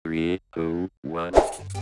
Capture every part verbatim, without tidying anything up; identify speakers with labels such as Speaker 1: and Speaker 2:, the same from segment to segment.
Speaker 1: three, two, one.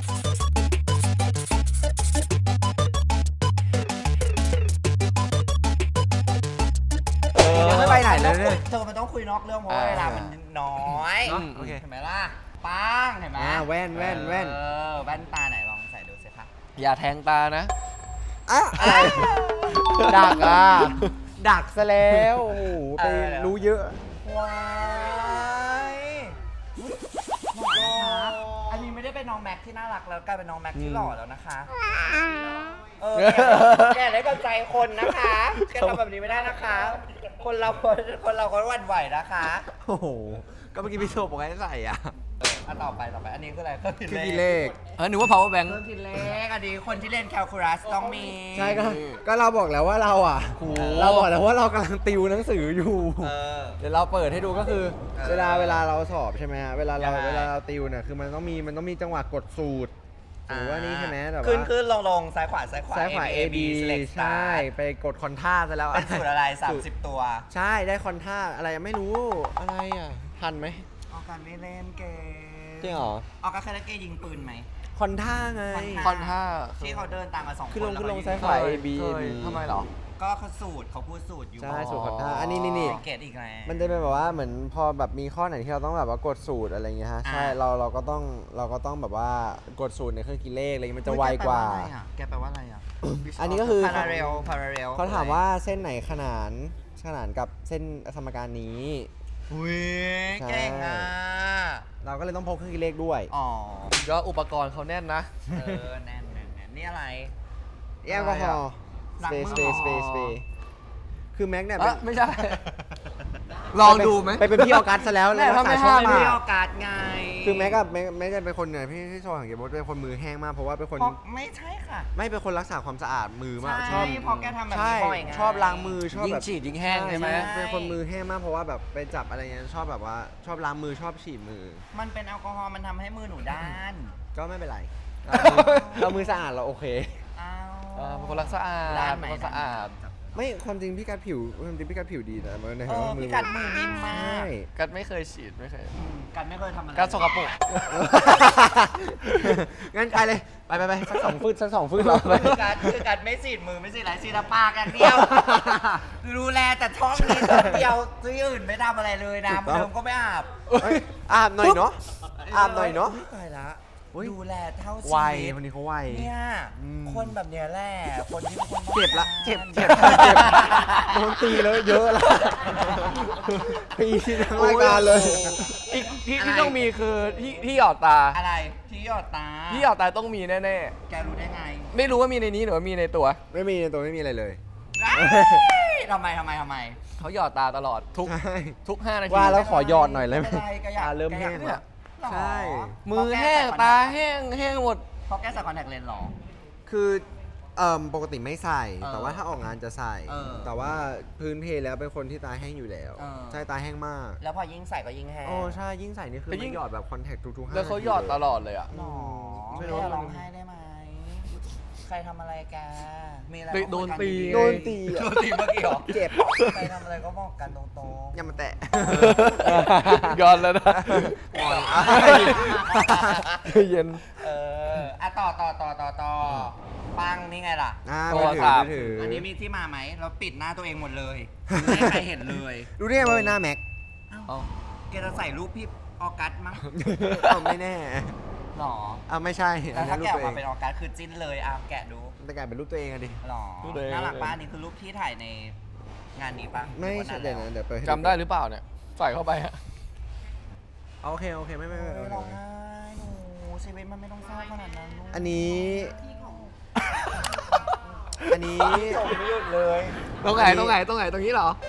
Speaker 2: ยังไม่ไปไหนเลยเนี่ย
Speaker 3: เธอมันต้องคุยนอกเรื่องเพราะว่าเวลามันน้อย
Speaker 2: เนอะโอเค
Speaker 3: เห็นไหมล่ะปังเห็นไหม
Speaker 2: อ่าแว่นแว่นแว่น
Speaker 3: เออแว่นตาไหนลองใส่ดูสิคะ
Speaker 4: อย่าแทงตานะ
Speaker 2: อะอะไรดักอ่ะ ดักซะแล้วโอ้โหไปรู้เยอะ
Speaker 3: ว้ายหล่อนะคะอันนี้ไม่ได้เป็นน้องแม็กที่น่ารักแล้วกลายเป็นน้องแม็กที่หล่อแล้วนะคะเออแกได้กำใจคนนะคะแกทำแบบนี้ไม่ได้นะคะ คนเราคนคนเราคนหวั่นไหวนะคะ
Speaker 2: โอ้โห ก็เมื่อกี้พี่โชว์บอกให้ใส่อ่ะ
Speaker 3: อันต่อไปต่อไปอันนี้คืออะไรเครื่องคิด
Speaker 2: คือ
Speaker 3: เล
Speaker 2: กี่
Speaker 3: ข
Speaker 2: เลข
Speaker 4: เออนึกว่า power bank
Speaker 3: เครื่องคิดเลขอันนี้คนที่เล่นแคลคูลัสต้องมี
Speaker 2: ใช่ก็ก็เราบอกแล้วว่าเราอ่ะ เราบอกแล้วว่าเรากำลังติวหนังสืออยู่
Speaker 3: เออ
Speaker 2: เดี๋ยวเราเปิดให้ดูก็คือ
Speaker 3: เออ
Speaker 2: เวลาเวลาเราสอบใช่ไหมฮะ เวลาเรา
Speaker 3: ยังไง
Speaker 2: เวลาเราติวเนี่ยคือมันต้องมีมันต้องมีจังหวะกดสูตรหรือว่านี่ใช่ไหมแต่ว่า
Speaker 3: ขึ้นขึ้นลงลงซ้ายขวาซ้ายขวา
Speaker 2: ซ้ายขวา
Speaker 3: A
Speaker 2: A
Speaker 3: B
Speaker 2: B
Speaker 3: select
Speaker 2: ใช่
Speaker 3: start
Speaker 2: ไปกดคอนท่าซะแล้ว
Speaker 3: เป็นสูตรอะไร สามสิบ ตัว
Speaker 2: ใช่ได้คอนท่าอะไรไม่รู้อะไรอ่ะทันไหม
Speaker 3: ออกการไม่เล่นเกม
Speaker 2: จริงเหรอ
Speaker 3: ออกการเคยเล่นเกมยิงปืนไหม
Speaker 2: คอนท่าไง
Speaker 4: คอนท่า
Speaker 3: ที่เขาเดินตามมาสองคน
Speaker 2: ขึ้นลง
Speaker 3: แว
Speaker 2: ขึ้นลง
Speaker 3: ก็
Speaker 2: ซ้าย
Speaker 3: ง
Speaker 2: ขวา
Speaker 4: เค
Speaker 2: A
Speaker 4: ย
Speaker 2: B
Speaker 4: เค
Speaker 2: A
Speaker 4: ย
Speaker 2: B
Speaker 4: ทำไมเหรอ
Speaker 3: ก็เขาสูตรเขาพูดสูตรอยู่
Speaker 2: ใช่สูตรคอนท่าอันนี้นี่นี่
Speaker 3: เกตอีกแล้ว
Speaker 2: มันจะเป็นแบบว่าเหมือนพอแบบมีข้อไหนที่เราต้องแบบว่ากดสูตรอะไรเงี้ยฮะ
Speaker 3: อ่า
Speaker 2: ใช่เราเราก็ต้องเราก็ต้องแบบว่ากดสูตรในเครื่องคิดเลขอะไรเงี้ยมันจะไวกว่า
Speaker 3: แกแปลว่าอะไรอ่ะ
Speaker 2: อันนี้ก็คือ
Speaker 3: พาราเรลพาราเรล
Speaker 2: เขาถามว่าเส้นไหนขนานขนานกับเส้นสมการนี้
Speaker 3: อุ้ย
Speaker 2: ใช่
Speaker 3: เก่งอ่ะ
Speaker 2: เราก็เลยต้องพกเครื่องคิดเลขด้วย
Speaker 3: อ๋อ
Speaker 4: ก็อุปกรณ์เขาแน่นนะ
Speaker 3: เออแน่นแน่นแน่นนี่อะไร
Speaker 2: แอลกอฮอล์
Speaker 3: หลัง
Speaker 2: สเป
Speaker 3: มื
Speaker 2: ซ
Speaker 3: อ
Speaker 2: สเปซสเปซสเปซคือแม็กเนี่ย
Speaker 4: เอ
Speaker 2: เป็น
Speaker 4: อไม่ใช่ ลองดูไหม
Speaker 2: ไปเป็นพี่ออกัสซะแล้ว
Speaker 4: แม่
Speaker 2: แล้วรัก
Speaker 4: ทำไม
Speaker 2: ษาช่อง
Speaker 4: ห้าม
Speaker 2: มา
Speaker 3: ไม่
Speaker 2: ก
Speaker 3: โอกาสไง
Speaker 2: คือแม็กกับแม็กแม็กจะเป็นคนเนี่ยพี่ที่โชว์ของเกมบอสเป็นคนมือแห้งมากเพราะว่าเป็นคน
Speaker 3: เพราะไม่ใช่ค่ะ
Speaker 2: ไม่เป็นคนรักษาความสะอาดมือมาก
Speaker 3: ใช่
Speaker 2: ชอบ
Speaker 3: เพราะแกทำแบบนี้
Speaker 2: ใช่
Speaker 3: บ่อยไง
Speaker 2: ชอบล้างมือชอบ
Speaker 4: ยิ่ง
Speaker 2: แบบ
Speaker 4: ฉีดยิ่งแห้งใช่ไหม
Speaker 2: เป็นคนมือแห้งมากเพราะว่าแบบไปจับอะไรเงี้ยชอบแบบว่าชอบล้างมือชอบฉีดมือ
Speaker 3: มันเป็นแอลกอฮอล์มันทำให้มือหนูด้าน
Speaker 2: ก็ไม่เป็นไร เรามือสะอาดเราโอเค
Speaker 3: อ้าว
Speaker 4: เออเป็นคนรักสะอาด
Speaker 3: ด้านไหน
Speaker 4: เป็นคนสะอาด
Speaker 2: ไม่ความจริงพี่กัดผิวความจริงพี่กัดผิวดีแต่มันใน
Speaker 3: เออ
Speaker 2: มื
Speaker 3: พี่กัดมือนิ่มมา
Speaker 2: ใช่
Speaker 3: ก
Speaker 4: กัดไม่เคยฉีดไม่เคย
Speaker 3: อืมกัดไม่เคยทำอะไร
Speaker 4: กัดสกปรก
Speaker 2: งั้นไปเลยไปไปไปสักสองฟืดสักสองฟืดเราไป
Speaker 3: คือกัดคือกัดไม่สีดมือไม่สีดอะไรสีดปากอย่างเดียวดูแลแต่ท้องนี้คนเดียวที่อื่นไม่ทำอะไรเลยน้ำเดิมก็ไม่อาบ
Speaker 2: เอ้ยอาบหน่อยเนาะอาบหน่อยเนาะ
Speaker 3: ตายละ
Speaker 2: อุ๊ย
Speaker 3: ดูแลเท่าชี
Speaker 2: ไว
Speaker 3: วิต
Speaker 2: คนนี้เขาไว
Speaker 3: เนี่ย
Speaker 2: อืม
Speaker 3: คนแบบเนี้ยแหละคนที่คนต้อง
Speaker 2: เจ็บละ
Speaker 3: การ
Speaker 2: เจ็บเจ็บเจ็บโดนตีแล้วเยอะละตีทั้งรายการเลย
Speaker 4: อีกที่ที่ต้องมีคือที่ที่หยอดตา
Speaker 3: อะไรที่หยอดตา
Speaker 4: ที่หยอดตาต้องมีแน่
Speaker 3: แกรู้ได้ไง
Speaker 4: ๆ ไม่รู้ว่ามีในนี้หรือว่ามีในตัว
Speaker 2: ไม่มีในตัวไม่มีอะไรเลย
Speaker 3: เอ้ยทำไมทำไมทำไม
Speaker 4: เขาหยอดตาตลอดทุก
Speaker 2: ใช่
Speaker 4: ทุกห้านาที
Speaker 2: ว่าแล้วขอหยอดหน่อยเลยไหม
Speaker 3: ไม่เป็นไรแกอยาก
Speaker 2: ตาเริ่ม
Speaker 3: แกอ
Speaker 2: แห้
Speaker 3: ยาก
Speaker 2: งแล้ว
Speaker 3: หรอ
Speaker 2: ใช่
Speaker 4: มือแห้งตาแห้งแห้งหมด
Speaker 3: เพราะแกใส่คอนแทคเลนส์หรอ
Speaker 2: คือเอ่มปกติไม่ใส่
Speaker 3: เออ
Speaker 2: แต่ว่าถ้าออกงานจะใส่
Speaker 3: เออ
Speaker 2: แต่ว่าพื้นเพแล้วเป็นคนที่ตาแห้งอยู่แล้ว
Speaker 3: เออ
Speaker 2: ใช่ตาแห้งมาก
Speaker 3: แล้วพอยิ่งใส่ก็ยิ่งแห้ง
Speaker 2: โอ้ใช่ยิ่งใส่นี่คือ
Speaker 4: แล้วยิ่
Speaker 2: มัน
Speaker 4: ง
Speaker 2: หยอดแบบคอนแทคทุกๆห้า
Speaker 4: แล้วเขา
Speaker 2: นที
Speaker 4: หยอดตลอดเลยอ่ะ
Speaker 3: หรอ
Speaker 2: ไม่
Speaker 3: ไม่
Speaker 2: รู้
Speaker 3: ร้องไห้ได้ไหมใครทำอะไรแกมีอะไร
Speaker 4: โดน
Speaker 3: ก็คุยกั
Speaker 4: ตี
Speaker 3: ๆ
Speaker 2: โดนตี
Speaker 3: โดนตีเมื่อกี้เหรอ
Speaker 2: เจ็บ
Speaker 3: ใครทำอะไรก็บอกกันตรงๆ
Speaker 2: อย่ามาแตะ
Speaker 4: ยอนแล้วนะ
Speaker 2: งอน
Speaker 4: เย็น
Speaker 3: เอออ่ะต่อต่อต่อต่อต่อปังนี่ไงล่ะ
Speaker 2: อ่า
Speaker 4: โท
Speaker 2: มื
Speaker 4: ร
Speaker 2: อถื
Speaker 4: ศั
Speaker 2: อ
Speaker 4: พท์
Speaker 2: มือถือ
Speaker 3: อั
Speaker 2: อั
Speaker 3: นนี้มีที่มาไหม เราปิดหน้าตัวเองหมดเลยไม่ให้ใครเห็นเลย
Speaker 2: รู้ได้ไงว่าเป็นหน้าแม็ก
Speaker 4: เอา
Speaker 3: แกจะใส่รูปพี่ออกัสมั้ง
Speaker 2: เอาไม่แน่
Speaker 3: หรอ
Speaker 2: อ่าไม่ใช่
Speaker 3: แล้วถ้า
Speaker 2: รู
Speaker 3: แกะ
Speaker 2: ป
Speaker 3: อ
Speaker 2: ตัวเอ
Speaker 3: อกมาง เป็นออกัสคือจิ้นเลยอ่ะแกะดู
Speaker 2: แต่กลายเป็นรูปตัวเองอะดิ
Speaker 3: หรอ
Speaker 4: รูปตัวเอง
Speaker 3: น่ารักป้านี่คือรูปที่ถ่ายในงานนี้ปะ
Speaker 2: ไม่
Speaker 3: หรือว่า
Speaker 2: ใช่
Speaker 3: นาน
Speaker 2: เดี๋ยว
Speaker 3: แล้ว
Speaker 2: นะเดี๋ยวเปิดให้
Speaker 4: จำได้หรือเปล่าเนี่ย ใส่เข้าไปฮะ
Speaker 2: โอเคโอเคไม่ไม่ไม่
Speaker 3: โอ้ย
Speaker 2: ไม่
Speaker 3: ร้องไห้หนูชีวิตมันไม่ต้องเศร้าขนาดนั้นลูก
Speaker 2: อันนี้ อันนี้
Speaker 3: ส่งไม่หยุดเลย
Speaker 4: ตรงไหนตรงไหนตรงไหนตรงนี้เหรอ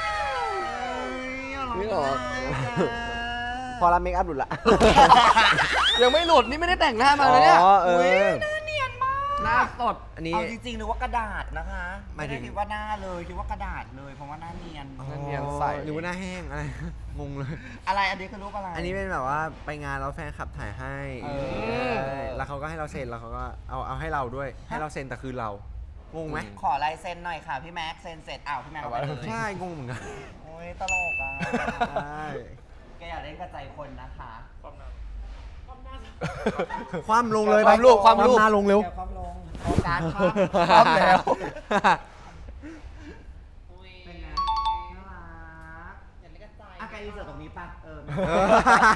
Speaker 2: นี่หรอ พอรับเมคอัพหลุดละ
Speaker 4: ยังไม่หลุดนี่ไม่ได้แต่งหน้ามาเลยเนี่ย
Speaker 2: อ๋อเออ
Speaker 3: หน้าเนียนมาก
Speaker 4: หน้าสด
Speaker 2: อันนี้
Speaker 3: เอาจริงๆหรือว่ากระดาษนะคะ
Speaker 2: ห
Speaker 3: ไม่
Speaker 2: มายถึ
Speaker 3: ได้
Speaker 2: ง
Speaker 3: คิดว่าหน้าเลยคิดว่ากระดาษเลยเพราะว่าหน้าเนียน
Speaker 2: อ๋อ
Speaker 4: เนียนใส
Speaker 2: หรือว่าหน้าแห้งอะไร งงเลย
Speaker 3: อะไรอันนี้คือรูปอะไร
Speaker 2: อันนี้เป็นแบบว่าไปงานแล้วแฟนคลับถ่ายให้
Speaker 3: เออ
Speaker 2: ใช่แล้วเขาก็ให้เราเซ็นแล้วเขาก็เอาเอาให้เราด้วย ให้เราเซ็นแต่คือเรา งงไหม
Speaker 3: ขอลายเซ็นหน่อยค่ะพี่แม็กเซ็นเสร็จอ้าวพี่แม็กเอาไปเลย
Speaker 2: ใช่ งงเหมือนกัน
Speaker 3: โอ้ยตลกอ่ะ
Speaker 2: ใช่
Speaker 3: แกอยากเล่นกระใจคนนะคะ
Speaker 5: ความหน้า
Speaker 2: คว่ำลงเลย
Speaker 4: ความลูกความลูก
Speaker 2: หน้าลงเร็ว
Speaker 3: แกความลงโอการค
Speaker 4: คว่ำแล้ว
Speaker 3: เป็นไงน่ารักอย่าเล่นกระจายอ่ะแกยืนเสิร์ฟตรงนี้ป่ะเออ
Speaker 2: เออ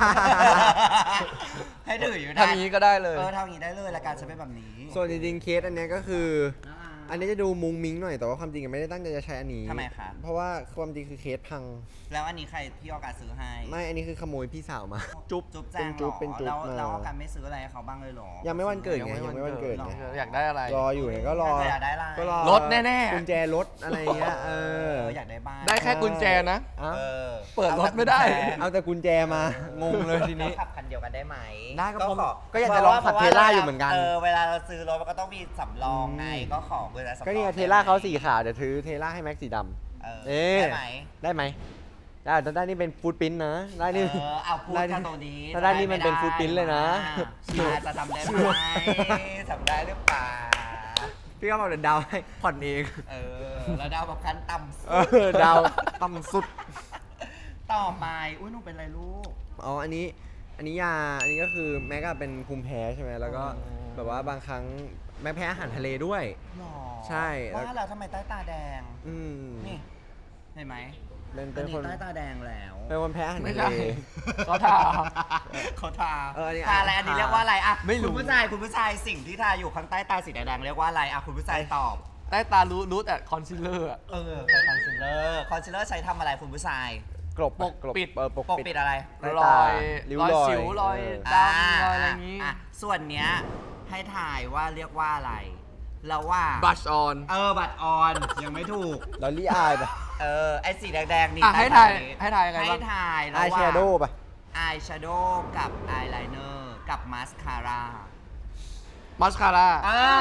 Speaker 3: ให้ถืออยู่
Speaker 4: ทำอย่างนี้ก็ได้เลย
Speaker 3: เออทำอย่างนี้ได้เลยรายการจะเป็นแบบนี้
Speaker 2: ส่วนจริงๆเคสอันเนี้ยก็คือ
Speaker 3: น่ารัก
Speaker 2: อันนี้จะดูมุงมิ้งหน่อยแต่ว่าความจริงอะไม่ได้ตั้งใจจะใช้อันนี้
Speaker 3: ทำไมคะ
Speaker 2: เพราะว่าความจริงคือเคสพัง
Speaker 3: แล้วอันนี้ใครพี่ออการซื้อให้
Speaker 2: ไม่อันนี้คือขโมยพี่สาวมา จุ๊บ
Speaker 3: จุ๊บแจ
Speaker 2: เป็น
Speaker 3: ง
Speaker 2: จุ๊บ
Speaker 3: หรอ
Speaker 2: เป็นจุ๊บ
Speaker 3: แล้ว
Speaker 2: มา
Speaker 3: แล้วออการไม่ซื้ออะไรให้เขาบ้างเลยเหรอ
Speaker 2: ยังไม่วันเกิดไงยังไม่วันเกิดไง
Speaker 4: อยากได้อะไร
Speaker 2: รออยู่เนี่ยก็รอ
Speaker 3: อยากได้อะไร
Speaker 2: ก็รอ
Speaker 4: รถแน่ๆ
Speaker 2: กุญแจรถอะไรเงี้ยเอ
Speaker 3: เอ
Speaker 2: อ
Speaker 3: ออยากได้บ้าน
Speaker 4: ได้แค่กุญแจนะ
Speaker 2: เอ้า
Speaker 3: เออ
Speaker 4: เปิดรถไม่ได้
Speaker 2: เอาแต่กุญแจมางงเลยทีนี้
Speaker 3: ขับคันเดียวกันได้ไหม
Speaker 2: ได้ก็ผม
Speaker 3: ขอ
Speaker 2: ก็อยากจะลองขับ
Speaker 3: พระว่
Speaker 2: เทสลาอยู่เหมือนกัน
Speaker 3: เออเวลาเราซื้อรถมันก็ต้องมีสำรองไง
Speaker 2: อืม
Speaker 3: ก็ขอเวลาสำรอง
Speaker 2: ก็นี่ไงเทสลาเขาสีขาวเดี๋ยวถือเทสลาให้แม็กสีดำ
Speaker 3: เออ
Speaker 2: เอ๊ะ
Speaker 3: ได้ไหม
Speaker 2: ได้ไหมได้แต่ได้นี่เป็นฟูดปิ้นนะได้นี่
Speaker 3: เออเอาพูด
Speaker 2: ได้
Speaker 3: กันตรงนี้
Speaker 2: ถ้าได้นี่มันเป็นฟูดปิ้นเลยนะ
Speaker 3: อ่าจะทำได้ไหมทำได้หรือเปล่า
Speaker 2: พี่ก็บอกเดี๋ยวดาวให้ผ่อนเอง
Speaker 3: เออแล้วดาวแบบคันต่ำสุ
Speaker 2: เอ
Speaker 3: ด
Speaker 2: อดาวต่ำสุด
Speaker 3: ต่อไปอุ้ยหนูเป็นไรลูก
Speaker 2: อ๋อ อันนี้ อันนี้ยา อันนี้ก็คือแม็กอะเป็นภูมิแพ้ใช่ไหม แล้วก็
Speaker 3: อ๋อ
Speaker 2: แบบว่าบางครั้งแม็กแพ้อาหารทะเลด้วย
Speaker 3: หรอ
Speaker 2: ใช่แล้ว
Speaker 3: ว่าแล้วทำไมใต้ตาแดง
Speaker 2: อืม
Speaker 3: นี่ เห็นไหม
Speaker 2: เป็น
Speaker 3: อั
Speaker 2: เป็น น
Speaker 3: นี้
Speaker 2: คน
Speaker 3: ใต้ตาแดงแล้ว
Speaker 2: เป็นคนแพ้อาหาร
Speaker 4: ไม่
Speaker 2: ทะ
Speaker 4: ใช่
Speaker 2: เล
Speaker 4: เขาทา
Speaker 3: เขาทา
Speaker 2: เอออันนี้
Speaker 3: ทาอะไรอันนี้เรียกว่าอะไรอะ
Speaker 4: ไม่รู้
Speaker 3: คุณผู้ชายคุณผู้ชายสิ่งที่ทาอยู่ข้างใต้ตาสีแดงๆเรียกว่าอะไรอะคุณผู้ชายตอบ
Speaker 4: ใต้ตารู้รู้แต่คอนซีลเลอร์อะ
Speaker 3: เออคอนซีลเลอร์คอนซีลเลอร์ใช้ทำอะไรคุณผู้ชาย
Speaker 2: กลบ
Speaker 4: ปก
Speaker 2: กลบ
Speaker 4: ปิด
Speaker 2: เออปก
Speaker 3: ปก
Speaker 2: ปิด
Speaker 3: ปิดอะไร
Speaker 2: ใต้
Speaker 4: ร
Speaker 2: ตา
Speaker 4: อย
Speaker 2: ริ้ว
Speaker 4: รอย
Speaker 2: รอย
Speaker 4: สิวรอย
Speaker 2: เออ
Speaker 4: ดำรอยอะไรอย่างงี้
Speaker 3: ะส่วนเนี้ยให้ถ่ายว่าเรียกว่าอะไรเราว่า
Speaker 4: บัชออน
Speaker 3: เออบัตรออนยังไม่ถูก
Speaker 2: ลอรี่อายปะ
Speaker 3: เออไอสีแดงๆนี่
Speaker 4: อ่ะให้ถ่ายให้ถ่ายยังไง
Speaker 3: ให้
Speaker 4: บ้าง
Speaker 3: ถ่าย
Speaker 2: อายแชโดว์ปะ
Speaker 3: อายแชโดว์กับอายไลเนอร์กับมาสคาร่า
Speaker 4: มัสคาร่า
Speaker 3: อ่า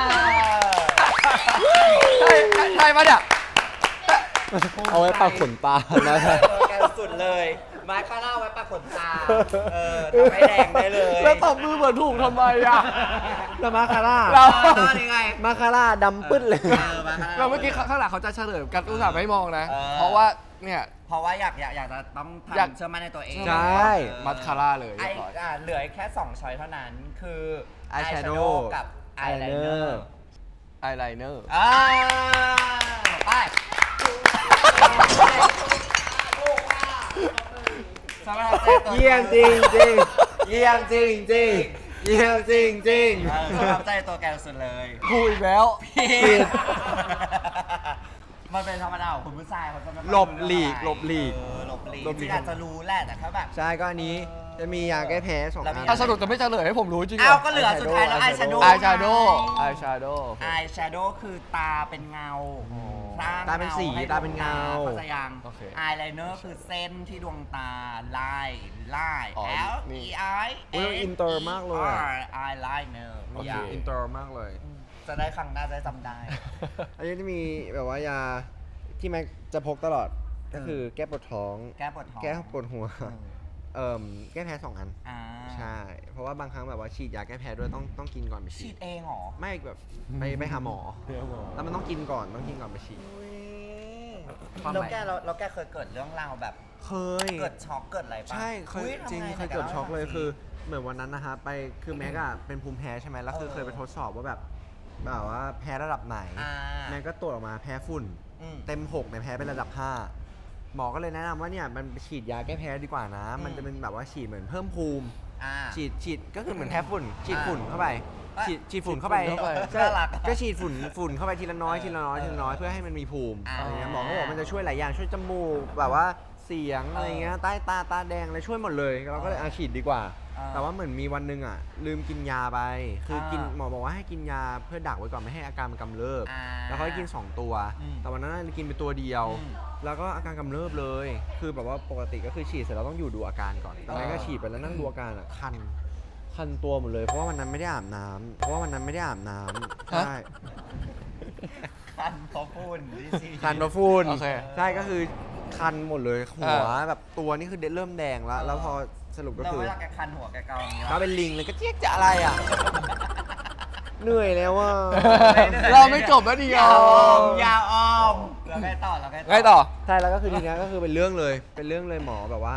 Speaker 4: ใช่ใช่ใช่ปะเนี่ย
Speaker 2: เอาไว้ปักขนตานะ
Speaker 3: เออแกสุดเลยมาสคาร่าไว้ปะขนตาเออทำให้แดงได้เลย
Speaker 4: แล้วตบมือเหมือนถูกทำไมอ่ะ
Speaker 2: แล้วมาคาร่า
Speaker 4: เรา
Speaker 3: เออนี่ไง
Speaker 2: มาคาร่าดำปึ๊ดเลย
Speaker 3: เออมาคาร่า
Speaker 4: เราเมื่อกี้ข้างหลังเขาจะเฉลิมกันอุตส่าห์ไม่มองนะ
Speaker 3: เออ
Speaker 4: เพราะว่าเนี่ย
Speaker 3: เพราะว่าอยากอยากอยากจะต้อง
Speaker 4: อยาก
Speaker 3: ทำเชื่อมั่นในตัวเอง
Speaker 2: ใช่
Speaker 3: เออ
Speaker 4: มัสคาร่าเลย
Speaker 3: ไอ
Speaker 4: เรียบร้อย
Speaker 3: อ่ะเหลือแค่สองช้อยเท่านั้นคือ
Speaker 2: Eyeshadow
Speaker 3: กับอายไลเนอ
Speaker 2: Eyeliner
Speaker 3: ร์
Speaker 4: อายไลเนอร์
Speaker 3: อ่าไปสำหรับเจ้าตัว
Speaker 2: เยี่ยมจริงจริงเยี่ยมจริงจริงเยี่ยมจริงจริง
Speaker 3: เออสำหรับใจตัวแกสุดเลย
Speaker 4: พูดอีกแล้ว
Speaker 3: ผิดมันเป็นธรรมดาของคุณผู้ชายเขาจะไม่ค่อย
Speaker 2: หลบหลีกหลบหลีก
Speaker 3: เออหลบหลีก
Speaker 2: หลบหลีก
Speaker 3: ที่อาจจะรู้แหละแต่แค่แบบ
Speaker 2: ใช่ก็อันนี้จะมียาแก้แพ้สอง
Speaker 3: แล้วมี
Speaker 2: อัน
Speaker 4: ถ้าสรุปจะไม่เฉลยให้ผมรู้จริงเหร
Speaker 3: อ้าว
Speaker 4: อ
Speaker 3: ก็เหลือสุดท้ายแล้ว
Speaker 2: Eyeshadow
Speaker 3: อายแชโดว์
Speaker 4: อายแชโดว์อายแชโดว์
Speaker 3: อายแชโดว์คือตาเป็นเงาสร้ง
Speaker 2: ตาเป็นสี
Speaker 3: ให้
Speaker 2: ตาเป็นเงา
Speaker 3: เข้าใจยัง
Speaker 4: โอเค
Speaker 3: อายไลเนอร์คือเส้นที่ดวงตาลายลาย
Speaker 4: อ๋อ
Speaker 3: L
Speaker 4: นี่
Speaker 3: E I
Speaker 2: โอ้ยอินเตอร์มากเลยอะ
Speaker 3: อายไลเนอร์
Speaker 4: โอเค
Speaker 2: อินเตอร์มากเลย
Speaker 3: จะได้ครั้งหน้าจะได้จำได้
Speaker 2: อันนี้จะมีแบบว่ายาที่แม็กจะพกตลอดก็คือแก้ปวดท้อง
Speaker 3: แก้ปวดท้อง
Speaker 2: แก้ปวดหัว
Speaker 3: อืม
Speaker 2: เอ่มแก้แพ้สองอัน
Speaker 3: อ่า
Speaker 2: ใช่ เพราะว่าบางครั้งแบบว่าฉีดยาแก้แพ้ด้วยต้องต้องกินก่อนไป
Speaker 3: ฉี
Speaker 2: ฉี
Speaker 3: ด
Speaker 2: ด
Speaker 3: เองเหรอ
Speaker 2: ไม่แบบไปไปหาหมอ แล้วมันต้องกินก่อนต้องกินก่อนไปฉีด
Speaker 4: ความหมาย
Speaker 3: แล้วแกเราเราแกเคยเกิดเรื่องราวแบบ
Speaker 2: เคย
Speaker 3: เกิดช็อกเกิดอะไรปะ
Speaker 2: ใช่เคย
Speaker 3: อุ๊ทำไ
Speaker 2: จริง
Speaker 3: ไหน
Speaker 2: เคยเกิด
Speaker 3: ล่าให้
Speaker 2: ช็อกเลย
Speaker 3: ฟังสิ
Speaker 2: คือเหมือนวันนั้นนะฮะไปคือแม็กอะเป็นภูมิแพ้ใช่ไหมแล้วคือ
Speaker 3: เออ
Speaker 2: เคยไปทดสอบว่าแบบแบบว่าแพ้ระดับไหน
Speaker 3: อ่า
Speaker 2: แม็กก็ตรวจออกมาแพ้ฝุ่น
Speaker 3: อืม
Speaker 2: เต็มหกเนี่ยแพ้เป็นระดับห้าหมอก็เลยแนะนำว่าเนี่ยมันไปฉีดยาแก้แพ้ดีกว่านะ มันจะเป็นแบบว่าฉีดเหมือนเพิ่มภูมิ
Speaker 3: อ่า
Speaker 2: ฉีดฉีดก็คือเหมือนแพ้ฝุ่น ฉีดฝุ่นเข้าไป
Speaker 3: อ่ะ
Speaker 2: ฉีดฉีดฝุ่นเข้าไป
Speaker 4: ฉีดฝุ่นเข้าไป
Speaker 2: ใช่
Speaker 3: น่ารัก
Speaker 2: ก็ฉีดฝุ่นฝุ่นเข้าไปทีละน้อย
Speaker 3: เออ
Speaker 2: ทีละน้อย
Speaker 3: เออ
Speaker 2: ทีละน้อยเพื่อให้มันมีภูมิ
Speaker 3: อ่า
Speaker 2: อะไรเงี้ยหมอก็บอกมันจะช่วยหลายอย่างช่วยจมูกแบบว่าเสียงอะไรเงี้ยใต้ตาตาแดงอะไรช่วยหมดเลยเราก็เลยอาฉีดดีกว่า
Speaker 3: อ่า
Speaker 2: แต่ว่าเหมือนมีวันหนึงอ่ะลืมกินยาไป คือกิน
Speaker 3: อ่า
Speaker 2: หมอบอกว่าให้กินยาเพื่อดักไว้ก่อนไม่ให้อาการมันกำเริบ
Speaker 3: อ่า
Speaker 2: แล้วเขาให้กินสองตัว
Speaker 3: อืม
Speaker 2: แต่วันนั้นกินไปตัวเดียว
Speaker 3: อืม
Speaker 2: แล้วก็อาการกำเริบเลย คือแบบว่าปกติก็คือฉีดเสร็จแล้วต้องอยู่ดูอาการก่อนแต่ไม่ก็ฉีดไปแล้วนั่งดูอาการอ่ะคัน คันตัวหมดเลย เพราะว่าวันนั้นไม่ได้อาบน้ำเพราะว่าวันนั้นไม่ได้อาบน้ำ
Speaker 4: ฮะ
Speaker 2: ใช่
Speaker 3: คันเพราะฝุ่นดิสิ
Speaker 2: คันเพราะฝุ่น
Speaker 4: โอเค
Speaker 2: ใช่ก็คือคันหมดเลยหัว
Speaker 4: อ่า
Speaker 2: แบบตัวนี่คือเริ่มแดงแล้ว แล้วพอสรุปก็
Speaker 3: แล้ว
Speaker 2: คือ
Speaker 3: เวลาแกคันหัวแกเกาอย่างนี้
Speaker 2: ก็เป็นลิงเลยก็เจี๊ยกจะอะไรอ่ะ เหนื่อยแล้วอ่ะ
Speaker 4: เราไม่จบแล้วเดีย
Speaker 3: ยาว วออมยาวออมแล้วไงต่อแล้วไงต่อ
Speaker 4: ไงต่อ
Speaker 2: ใช่แล้วก็คือทีนี้ก็คือเป็นเรื่องเลย เป็นเรื่องเลยหมอแบบว่า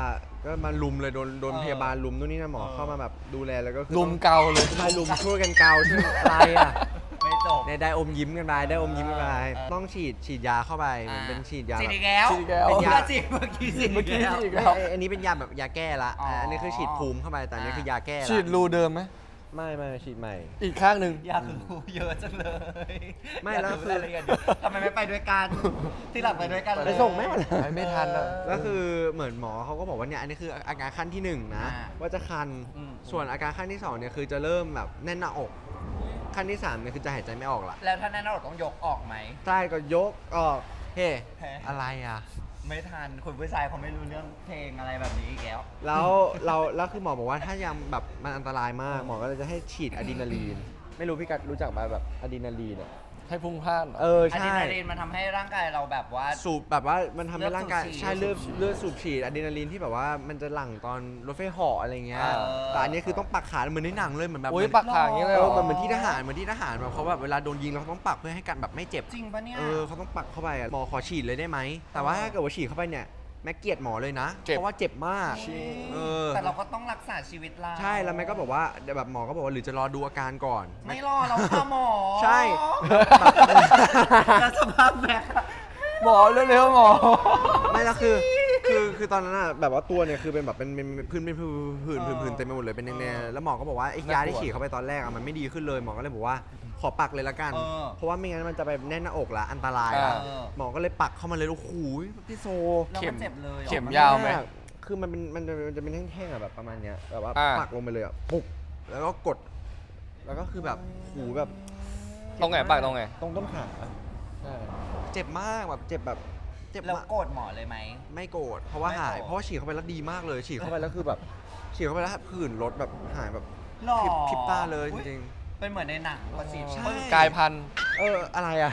Speaker 2: ก็มาลุมเลยโดนโดนพยาบาลลุมนู่นนี่นะหมอเข้ามาแบบดูแลแล้วก็คือ
Speaker 4: ลุมเกาเลย
Speaker 2: ใช่ลุมช่วยกันเกาช่วยอะไรอ่ะ
Speaker 3: ไม่จบ
Speaker 2: เนี่ยได้อมยิ้มกันไปได้อมยิ้มกันไป
Speaker 3: เออ
Speaker 2: ต้องฉีดฉีดยาเข้าไปเหมือนเป็นฉีดยา
Speaker 3: ฉีด
Speaker 2: แบบ
Speaker 3: อีกแล้ว
Speaker 4: ฉีดอีกแล้ว
Speaker 3: เป็น
Speaker 2: เป็น
Speaker 3: ยาย
Speaker 2: า
Speaker 3: ฉีดเมื่อกี้ฉีด
Speaker 4: เมื่อกี้
Speaker 3: แล้ว
Speaker 4: ฉีด
Speaker 2: ไม่ไอ้อันนี้เป็นยาแบบยาแก้ละ
Speaker 3: อ๋ออั
Speaker 2: อันนี้คือฉีดภูมิเข้าไปแต่อันนี้
Speaker 3: อ่า
Speaker 2: คือยาแก้ละ
Speaker 4: ฉีดรูเดิมไหม
Speaker 2: ไม่ไม่ฉีดใหม่
Speaker 4: อีกข้างหนึ่ง
Speaker 3: อยากรู้เยอะจังเลย
Speaker 2: ไม่
Speaker 3: ยาก
Speaker 2: แล้ว
Speaker 3: รู้
Speaker 2: คือ
Speaker 3: รายละเอียดเยอะทำไมไม่ไปด้วยกัน ที่หลังไปด้วยกันเลย
Speaker 2: ไปส่งแม่มา
Speaker 4: ไปไม่ทันอะ
Speaker 2: แล้วคือเหมือนหมอเขาก็บอกว่าเนี่ยอันนี้คืออาการขั้นที่หนึ่งนะ
Speaker 3: อ่า
Speaker 2: ว่าจะคัน
Speaker 3: อืม
Speaker 2: ส่วนอาการขั้นที่สองเนี่ยคือจะเริ่มแบบแน่นหน้าอก ขั้นที่สามเนี่ยคือจะหายใจไม่ออกละ
Speaker 3: แล้วถ้าแน่นอนต้องยกออกไหม
Speaker 2: ใช่ก็ยกออกเฮ้
Speaker 3: แพ้
Speaker 2: อะไรอ่ะ
Speaker 3: ไม่ทันคุณผู้ชายเขาไม่รู้เรื่องเพลงอะไรแบบนี้อีกแล้ว
Speaker 2: แล้วเราแล้วคือหมอบอกว่าถ้ายังแบบมันอันตรายมากหมอก็เลยจะให้ฉีดอะดรีนาลีน ไม่รู้พี่กัดรู้จักไหมแบบอะดรีนาลีนอ่ะ
Speaker 4: ให้พุ่งพล่านเหรอ
Speaker 2: เออ
Speaker 3: อะดรี
Speaker 2: ใช่
Speaker 3: นาลีนมันทำให้ร่างกายเราแบบว่า
Speaker 2: สูบแบบว่ามันทำให้ร่างกาย
Speaker 3: เลือดสูบฉีด
Speaker 2: ใช่เลือดเลือดสูบฉีดอะดรีนาลีนที่แบบว่ามันจะหลั่งตอนรถไฟเหาะอะไรเงี้ย
Speaker 3: เออ
Speaker 2: แต่อันนี้คือต้องปักขาเหมือนในหนังเลยเหมือนแบบ
Speaker 4: โอ้ย
Speaker 2: เหมือน
Speaker 4: ปักขางอย่างนี้เลย
Speaker 2: เอ
Speaker 4: เหร
Speaker 2: อ
Speaker 4: อ
Speaker 2: เหมือนที่ทหารเหมือนที่ทหารแบบเขาแบบเวลาโดนยิงแล้วเขาต้องปักเพื่อให้กันแบบไม่เจ็บ
Speaker 3: จริงปะเนี่ย
Speaker 2: เออเขาต้องปักเข้าไปอะหมอขอฉีดเลยได้ไหมแต่ว่าถ้าเกิดว่าฉีดเข้าไปเนี่ยแม็กเกลียดหมอเลยนะ
Speaker 4: เจ็บ
Speaker 2: เพราะว่าเจ็บมากเออ
Speaker 3: แต่เราก็ต้องรักษาชีวิตเรา
Speaker 2: ใช่แล้วแม็กก็บอกว่าเดี๋ยวแบบหมอก็บอกว่าหรือจะรอดูอาการก่อน
Speaker 3: ไม่รอเราค่ะหมอ
Speaker 2: ใช่
Speaker 3: แล้วสภาพแม็กอะ
Speaker 4: หมอเร็วๆหมอ
Speaker 2: ไม่แล้วคือคือคือตอนนั้นอะแบบว่าตัวเนี่ยคือเป็นแบบเป็นเป็นเป็นพื้นเป็นผื่นผื่นผื่นเต็มไปหมดเลยเป็นแนวๆแล้วหมอก็บอกว่าไอ้ยาที่ฉีดเข้าไปตอนแรกอะมันไม่ดีขึ้นเลยหมอก็เลยบอกว่าขอปักเลยละกัน
Speaker 3: เออ
Speaker 2: เพราะว่าไม่งั้นมันจะไปแน่นหน้าอกละอันตราย
Speaker 4: อ่า
Speaker 2: อะหมอก็เลยปักเข้ามาเลยโอ้โหพี่โซ
Speaker 3: แล้วมันเจ็บเลยหรอ
Speaker 4: เข็มยาวไหม
Speaker 2: คือมันเป็นมันจะมันจะเป็นแท่งๆอะแบบประมาณเนี้ยแบบว่า
Speaker 4: อ่า
Speaker 2: ปักลงไปเลยอะปุ๊บแล้วก็กด แล้วก็คือแบบหูแบบ
Speaker 4: ตรงไหนปักตรงไหน
Speaker 2: ตรงต้นขาเจ็บมากแบบเจ็บแบบเจ็บ
Speaker 3: แล้ว
Speaker 2: มาก
Speaker 3: โกรธหมอเลยไหม
Speaker 2: ไม่โกรธเพราะว่า
Speaker 3: ไม่
Speaker 2: หาย
Speaker 3: โกรธ
Speaker 2: เพราะว่าฉีดเข้าไปแล้วดีมากเลยฉีดเข้าไปแล้วคือแบบฉีดเข้าไปแล้วผื่นลดแบบหายแบบ
Speaker 3: หล่อ
Speaker 2: พริบพริบตาเลยจ
Speaker 3: อุ๊
Speaker 2: ริง
Speaker 3: เป็นเหมือนในหนังว่าฉีด
Speaker 2: ใช่
Speaker 3: ปึ๊บ
Speaker 4: กายพันธุ์
Speaker 2: ๆเอออะไรอะ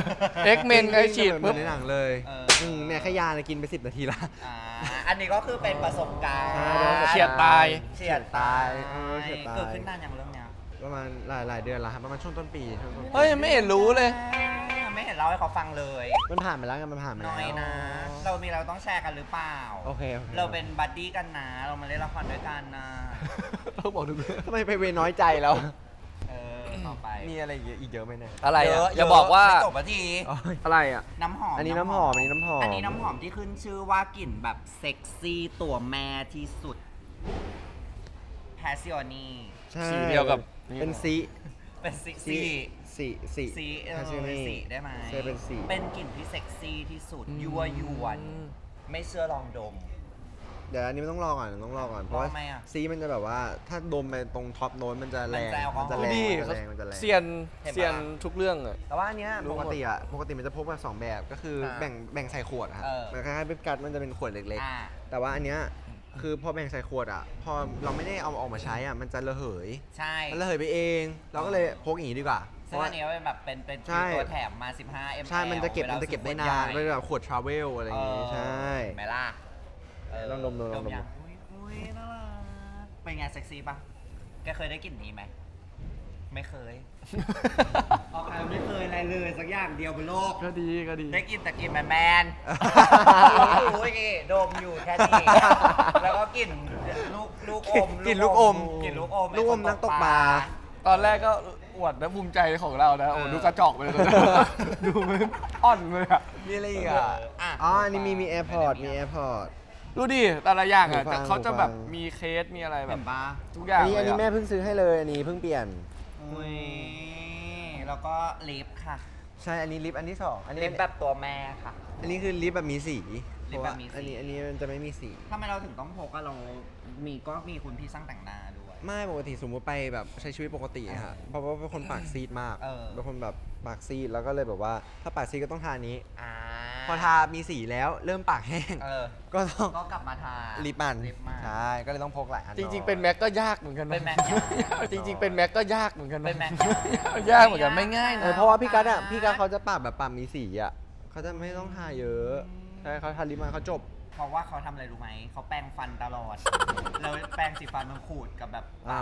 Speaker 4: X-Men ไงฉีด
Speaker 2: เหมื
Speaker 4: ปุ๊
Speaker 2: อบ นในหนังเลย
Speaker 3: เออ
Speaker 2: อืมเนี่ยแค่ยาเนี่ยกินไปสิบนาทีละ
Speaker 3: อ่าอันนี้ก็คือเป็นประสบการณ์
Speaker 2: ใช่
Speaker 4: เฉียดตาย
Speaker 3: เฉียดตาย
Speaker 2: เออเฉียดตาย
Speaker 3: เกิดขึ้นนานอย่างเรื่องเนี้ย
Speaker 2: ประมาณหลายหลายเดือนแล้วครับประมาณช่วงต้นปีช่วงต้นปี
Speaker 4: เฮ้ยไม่เห็นรู้เลย
Speaker 3: ไม่เห็นเล่าให้เขาฟังเลย
Speaker 2: มันผ่านไปแล้วไงมันผ่านไป
Speaker 3: น้
Speaker 2: แล้ว
Speaker 3: อยนะ เรามีเราต้องแชร์กันหรือเปล่า
Speaker 2: โอเคโอเค
Speaker 3: เราเป็นบัดดี้กันนะ เรามาเล่นละครด้วยกันนะ
Speaker 4: ต้องบอกทุกเรื่อง
Speaker 2: ทำไมไปเวน้อยใจแล้ว
Speaker 3: เออต่อไป
Speaker 2: มีอะไรอีกเยอะอีกเยอะไหมเนี่ย
Speaker 4: อะไร
Speaker 3: เย
Speaker 4: อ่ะ
Speaker 3: อะ
Speaker 4: อย่าบอกว่า
Speaker 3: ไม่จบนาที
Speaker 2: อะไรอ่ะ
Speaker 3: น้ำหอม
Speaker 2: อันนี้น้ำหอมอันนี้น้ำหอม
Speaker 3: อันนี้น้ำหอมที่ขึ้นชื่อว่ากลิ่นแบบเซ็กซี่ตัวแม่ที่สุดแพสซิโอนี
Speaker 2: ใช่
Speaker 4: สีเดียวกับ
Speaker 2: เป็นสี
Speaker 3: เป็นสี
Speaker 2: สี
Speaker 3: สี
Speaker 2: สีสี
Speaker 3: สีเออ
Speaker 2: คาซิโอนี่
Speaker 3: สีได้ไหม
Speaker 2: ใช่เป็นสี
Speaker 3: เป็นกลิ่นที่เซ็กซี่ที่สุด
Speaker 4: อืม
Speaker 3: ยั่วยวนไม่เชื่อลองดม
Speaker 2: เดี๋ยวอันนี้มันต้องรอก่อนต้องรอก่อนเพราะว่า
Speaker 3: ทำไมอะ
Speaker 2: สีมันจะแบบว่าถ้าดมไปตรงท็อปโน้ตมันจะแรง
Speaker 3: มันจะแอลกอฮอล์
Speaker 2: จะ
Speaker 4: ดู
Speaker 2: แรง
Speaker 4: ดิ
Speaker 2: มันจะแรงมันจะแรง
Speaker 4: เซียน
Speaker 3: เห็นปะ
Speaker 4: เซียนทุกเรื่องอ่ะ
Speaker 2: แต่ว่าอันเนี้ย
Speaker 4: รู้
Speaker 2: ป
Speaker 4: หม
Speaker 2: ก
Speaker 4: ด
Speaker 2: ติอ่ะปกติมันจะพกมาสองแบบก็คืออา แบ่งแบ่งใส่ขวดอะครับ
Speaker 3: เออ
Speaker 2: มันคล้ายๆเป็นกัดมันจะเป็นขวดเล็ก
Speaker 3: อ่า
Speaker 2: ๆ แต่ว่าอันเนี้ยคือพอแบ่งใส่ขวดอ่ะพอเราไม่ได้เอาออกมาใช้อ่ะมันจะระเหย
Speaker 3: ใช่
Speaker 2: มันระเหยไปเอง เราก็เลยพกอย่างนี้ดีกว่าเพ
Speaker 3: ซึ่ง
Speaker 2: ราะว่า
Speaker 3: อันนี้ก็เป็นแบบเป็นเป็น
Speaker 2: ใช่
Speaker 3: ตัวแถมมา สิบห้า มิลลิลิตร
Speaker 2: ใช่มันจะเก็บ
Speaker 3: วลา
Speaker 2: มันจะเก็บได้
Speaker 3: ซื้อขว
Speaker 2: นาน
Speaker 3: ใหญ่
Speaker 2: เป็นแบบขวดทราเวลอะไรอย่างงี้
Speaker 3: เออ
Speaker 2: ใช่
Speaker 3: เห็นไหมล่ะเ
Speaker 2: ลองดมดูลองดม
Speaker 3: ยังอุ้ยอุ้ยน่ารักเป็นไงเซ็กซี่ปะแกเคยได้กลิ่นนี้ไหมไม่เคย ออกใครไม่เคยอะไรเลยสักอย่างเดียวบนโลก
Speaker 4: ก็ดีก็ดี
Speaker 3: ได้กลินแต่กลินแมนแมนๆโอ้ยนี่ดมอยู่แค่นี้แล้วก็กลิ่นลูกลูกอม
Speaker 2: กลิ่นลูกอม
Speaker 3: กลิ่นลูกอม
Speaker 2: ลูกอมนักตกปลา
Speaker 4: ตอนแรกก็อวดและภูมิใจของเรานะ โอ้
Speaker 3: เออ
Speaker 4: ดูกระจอกไปเลยตอนนั้นดูมันอ่อนเลยอ่ะ
Speaker 2: มีอะไรอีกอ่ะ
Speaker 3: อ่ะ
Speaker 2: อ๋อ อันนี้มีมีแอร์พอร์ต มีแอร์พอร์ต
Speaker 4: ดูดิแต่ละอย่างอ่ะ
Speaker 2: หูฟัง
Speaker 4: แต่เขาจะแบบ
Speaker 2: หูฟัง
Speaker 4: มีเคสมีอะไรแบ
Speaker 3: เห็
Speaker 4: บ
Speaker 3: นปะ
Speaker 4: ทุกอย่าง
Speaker 2: อันนี้
Speaker 4: เล
Speaker 2: อัน
Speaker 4: ย
Speaker 2: นี้แม่
Speaker 4: อะ
Speaker 2: เพิ่งซื้อให้เลย อันนี้เพิ่งเปลี่ยน
Speaker 3: อุ้ยแล้วก็ลิปค่ะ
Speaker 2: ใช่ อันนี้ลิปอันที่สองอันนี้
Speaker 3: ลิปแบบตัวแม่ค่ะ
Speaker 2: อันนี้คือลิปแบบมีสี
Speaker 3: ลิปแบบมีสี
Speaker 2: เพราะว่าอันนี้อันนี้มันจะไม่มีสี
Speaker 3: ทำไมเราถึงต้องพกอะเรา มีก็มีคุณพี่ช่างแต่งหน้าด้วย
Speaker 2: ไม่ปกติสมมติไปแบบใช้ชีวิตปกติอะฮะเพราะว่าเป็นคนปากซีดมาก
Speaker 3: เออ
Speaker 2: เป็นคนแบบปากซีดแล้วก็เลยแบบว่าถ้าปากซีดก็ต้องทานี้
Speaker 3: อ่า
Speaker 2: พอทามีสีแล้วเริ่มปากแห้ง
Speaker 3: เออ
Speaker 2: ก็ต้อง
Speaker 3: ก็กลับมาทา
Speaker 2: ลิปมัน
Speaker 3: ลิปมัน
Speaker 2: ใช่ ก็เลยต้องพกหลายอัน
Speaker 4: จริง ๆ เป็นแม็กก็ยากเหมือนกันนะ
Speaker 3: เป็นแม็กยาก
Speaker 4: จริง ๆ เป็นแม็กก็ยากเหมือนกันนะ
Speaker 3: เป็นแม็ก
Speaker 4: ยากเหมือนกันไม่ง่าย
Speaker 2: เอ
Speaker 4: นะ
Speaker 2: อเพราะว่าพี่กัดอะพี่กัดเขาจะปากแบบปากมีสีอะเขาจะไม่ต้องทาเยอะใช่เขาทาลิปมันเขาจบ
Speaker 3: เพราะว่าเขาทำอะไรรู้ไหม เขาแปรงฟันตลอด แล้วแปรงสีฟันมันขูดกับแบบปากตลอด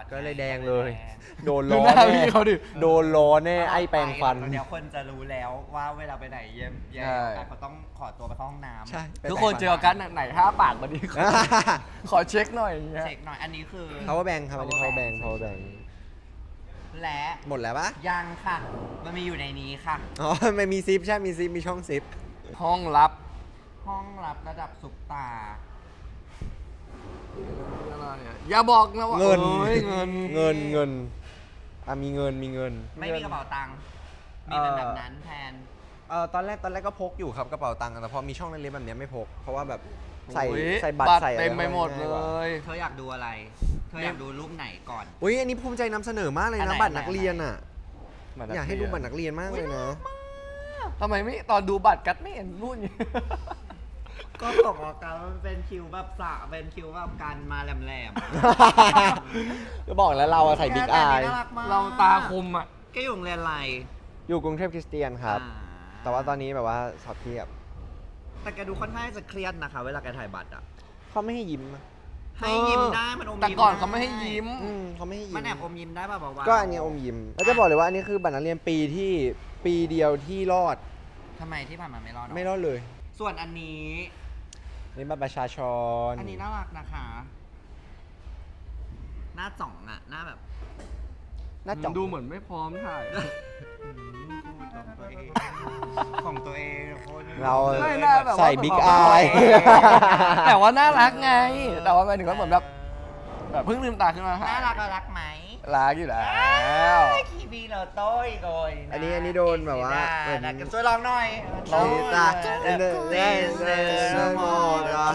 Speaker 2: ก็เลยแดงเลย
Speaker 3: แดง
Speaker 2: โดน
Speaker 4: ดู
Speaker 2: ล้อ
Speaker 4: หน้า
Speaker 2: แน่
Speaker 4: พี่เขาดิ
Speaker 2: โดนล้อแน่ไอ้แปรงฟัน
Speaker 3: เดี๋ยวคนจะรู้แล้วว่าเวลาไปไหนเยี่ยมเยี่ยม
Speaker 4: ใช่
Speaker 3: แต่เขาต้องขอตัวไปเข้าห้องน้ำ
Speaker 2: ใช่
Speaker 4: ทุกคนเจออกันไหนห้าปากมาดิขอขอเช็คหน่อยอย่างเงี้ย
Speaker 3: เช็คหน่อยอันนี้คือ
Speaker 2: power bank ครับอันนี้ power bank power bank
Speaker 3: และ
Speaker 2: หมดแล้วปะ
Speaker 3: ยังค่ะ มันมีอยู่ในนี้ค่ะ
Speaker 2: อ๋อไม่มีซิปใช่ มีซิป มีช่องซิป
Speaker 4: ห้องลับ
Speaker 3: ห้องรับระดับสุกตา
Speaker 4: อะไรอะอย่าบอกนะว่า
Speaker 2: เงิน
Speaker 4: อ้ยเงิน
Speaker 2: เงิน เงิน อ่ะมีเงิน มีเงิน
Speaker 3: ไม่มีกระเป๋าตังค์มีเป็นแบบนั้นแทน
Speaker 2: เอ่อตอนแรก ตอนแรกก็พกอยู่ครับกระเป๋าตังค์แต่พอมีช่องเล็กๆแบบเนี้ยไม่พก เพราะว่าแบบใส่
Speaker 4: โอ้ย
Speaker 2: ใส่บัตรใส่อะไร
Speaker 4: เต็มไปหมด
Speaker 2: ง่า
Speaker 4: เลย
Speaker 2: กว่า
Speaker 4: ย
Speaker 3: เธออยากดูอะไร เธออยากดูรูปไหนก่อน
Speaker 2: อุ้ยอันนี้ภูมิใจนำเสนอมากเลย
Speaker 3: อัน
Speaker 2: นะ
Speaker 3: ไหน
Speaker 2: บัตรนักเรียนอ่ะ
Speaker 4: บัตรนักเรียน
Speaker 2: อยากให้ดูบัตรนักเรียนมากเลยนะ
Speaker 4: ทำไมไม่ตอนดูบัตรกัดไม่เห็นรุ่นอยู่
Speaker 3: ก็ตกออกกันมันเป็นคิวแบบสระเป็นคิวแบบการมาแหลม
Speaker 2: ก็บอกแล้วเราอะใส่บิ๊กอาย
Speaker 4: เราตาคมอ่ะ
Speaker 3: ๆก็อยู่โรงเรียนอะไร
Speaker 2: อยู่กรุงเทพคริสเตียนครับ
Speaker 3: อ่า
Speaker 2: แต่ว่าตอนนี้แบบว่าสอบเทียบ
Speaker 3: แต่แกดูค่อนข้างจะเครียดนะคะ เวลาแกถ่ายบัตรอ่ะ
Speaker 2: เขาไม่ให้ยิ้มอะ
Speaker 3: ให้ยิ้มได้มันอมยิ้ม
Speaker 4: แต่ก่อน
Speaker 3: ด้
Speaker 4: เขาไม่ให้ยิ้ม
Speaker 2: อืมเขาไม่ให้ยิ้ม
Speaker 3: มันแอบอมยิ้มได้ป่ะบอกว่า
Speaker 2: ก็อันนี้อมยิ้มแล้วจะบอกเลยว่าอันนี้คือบัตรนักเรียนปีที่ปีเดียวที่รอด
Speaker 3: ทำไมที่ผ่านมาไม่รอดเนอะ
Speaker 2: ไม่รอดเลย
Speaker 3: ส่วนอันนี้
Speaker 2: นี่บัตรประชาชน
Speaker 3: อันนี้น่ารักนะคะ หน้าจ่องอ่ะ หน้าแบบ
Speaker 2: หน้าจ่อง
Speaker 4: ดูเหมือนไม่พร้อมถ่าย
Speaker 3: ของตัวเองของตัวเองคน
Speaker 2: เรา
Speaker 4: ไม่น่าแบบว่า
Speaker 2: ใส่บิ๊กอาย
Speaker 4: แต่ว่าน่ารักไง แต่ว่าหมายถึงว่าเหมือนแบบแบบเพิ่งลืมตาขึ้นมา
Speaker 3: น่ารักน่ารักไหม
Speaker 4: รักอยู่แล้ว
Speaker 3: คีบีโนโต้ยโดย
Speaker 2: อันนี้อันนี้โดนแบบว่าเหมือน
Speaker 3: น่ารักช่วยลองหน่อย
Speaker 2: ลองตาเดนเดนเดนเดนโมดา